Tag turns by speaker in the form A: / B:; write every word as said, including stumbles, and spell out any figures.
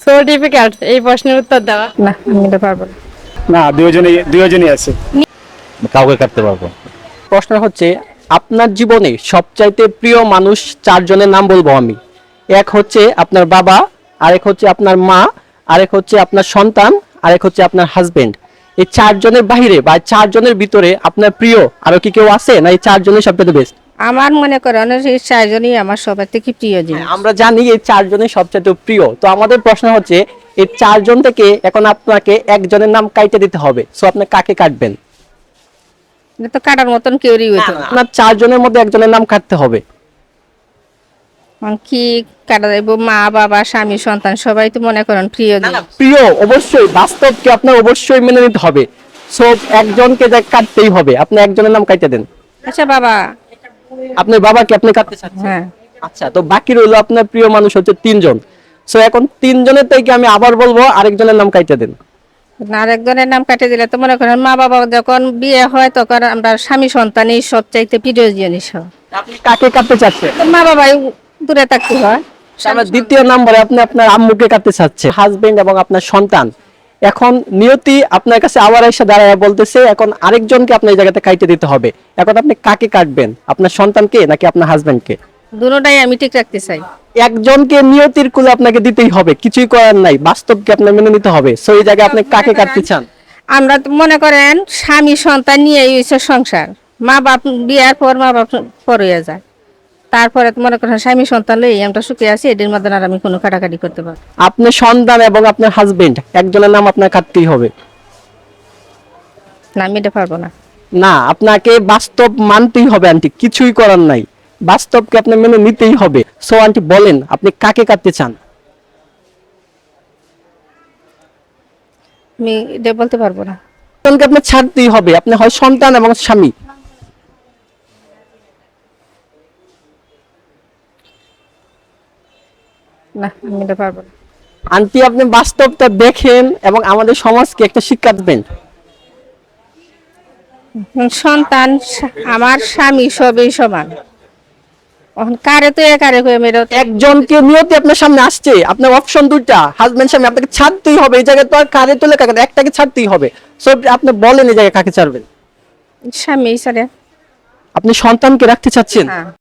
A: So difficult এই প্রশ্নের উত্তর দেওয়া। না আমি এটা পারবো না।
B: না, দুইজনই দুইজনই আছে।
C: কাউকে কাটতে পারবো।
D: প্রশ্ন হচ্ছে আপনার জীবনে সবচাইতে প্রিয় মানুষ চারজনের নাম বলবো আমি। এক হচ্ছে আপনার বাবা, আরেক হচ্ছে আপনার মা, আরেক হচ্ছে আপনার সন্তান, আরেক হচ্ছে আপনার হাজবেন্ড। এই চারজনের বাইরে বা চারজনের ভিতরে আপনার প্রিয় আরো কি কেউ আছে, না এই চারজনের সবচেয়ে বেস্ট?
A: আমার মনে করেন এই চারজনই আমার সবার থেকে প্রিয় জিনিস।
D: আমরা জানি এই চারজনের সবচেয়ে প্রিয়, তো আমাদের প্রশ্ন হচ্ছে এই চারজন থেকে এখন আপনাকে একজনের নাম কাইটে দিতে হবে, সো আপনি কাকে কাটবেন?
A: এটা তো কাটার মতন কেউই হইতো না।
D: আপনার চারজনের মধ্যে একজনের নাম কাটতে হবে।
A: এখন কি কাটা যাইব? মা বাবা স্বামী সন্তান সবাই তো মনে করেন প্রিয় জিনিস।
D: প্রিয় অবশ্যই, বাস্তবকে আপনার অবশ্যই মেনে নিতে হবে, সো একজনকে যা কাটতেই হবে। আপনি একজনের নাম কাটতে দেন।
A: আচ্ছা বাবা।
D: আপনার বাবাকে আপনি কাটতে চাচ্ছেন?
A: হ্যাঁ।
D: আচ্ছা, তো বাকি রইলো আপনার প্রিয় মানুষ হচ্ছে তিনজন। সো এখন তিনজনের থেকে আমি আবার বলবো আরেকজনের নাম কাটতে দেন।
A: আর একজনের নাম কাটে দিলে তো মনে করেন মা বাবা যখন বিয়ে হয় তখন আমরা স্বামী সন্তানই সবচাইতে প্রিয় জিনিস হয়।
D: আপনি কাকে কাটতে চাচ্ছেন?
A: তো মা বাবাই দূরে থাকতে হয়।
D: আমরা দ্বিতীয় নম্বরে আপনি আপনার আম্মুকে কাটতে চাচ্ছে, হাজবেন্ড এবং আপনার সন্তান। এখন নিয়তি আপনার কাছে আবার এসে দাঁড়ায় বলতেছে এখন আরেকজনকে আপনার এই জায়গাতে কাটতে দিতে হবে। এখন আপনি কাকে কাটবেন, আপনার সন্তানকে নাকি আপনার হাজবেন্ডকে?
A: দুটোটাই আমি ঠিক রাখতে চাই।
D: একজনকে নিয়তির কুলে আপনাকে দিতেই হবে, কিছুই করার নাই, বাস্তবকে আপনার মেনে নিতে হবে। সো এই জায়গায় আপনি কাকে কাটতে চান?
A: আমরা তো মনে করেন স্বামী সন্তান নিয়ে হইছে সংসার, মা বাপ বিয়ার পর মা বাপ পর হয়ে যায়, তারপরে তো মনে করেন স্বামী সন্তান লই আমরা সুখে আছি, এদের মধ্যে আর আমি কোনো কাটাকাটি করতে পারবো
D: আপনি সন্তান এবং আপনার হাজবেন্ড একজনের নাম আপনার কাটতেই হবে।
A: না, আমি এটা পারবো না।
D: না, আপনাকে বাস্তব মানতেই হবে আন্টি, কিছুই করার নাই, বাস্তবকে আপনি মেনে নিতেই হবে। সো আন্টি বলেন আপনি কাকে কাটতে চান?
A: আমি এটা বলতে পারবো না।
D: সন্তানকে আপনি ছাড়তেই হবে, আপনি হয় সন্তান এবং স্বামী।
A: না, আমি এটা পারবো না।
D: আন্টি আপনি বাস্তবটা দেখেন এবং আমাদের সমাজকে একটা শিক্ষা দেবেন।
A: সন্তান আমার স্বামী সবই সমান, এখন কারে তো একারে কই মেরে
D: একজনকে নিয়তি আপনার সামনে আসছে, আপনার অপশন দুইটা, হাজবেন্ড স্বামী, আপনাকে ছাড়তেই হবে এই জায়গায়, তো আর কারে তোলে কাকে, একটাকে ছাড়তেই হবে। সো আপনি বলেন এই জায়গায় কাকে ছাড়বেন?
A: স্বামী ছাড়ে।
D: আপনি সন্তানকে রাখতে চাচ্ছেন?
A: হ্যাঁ।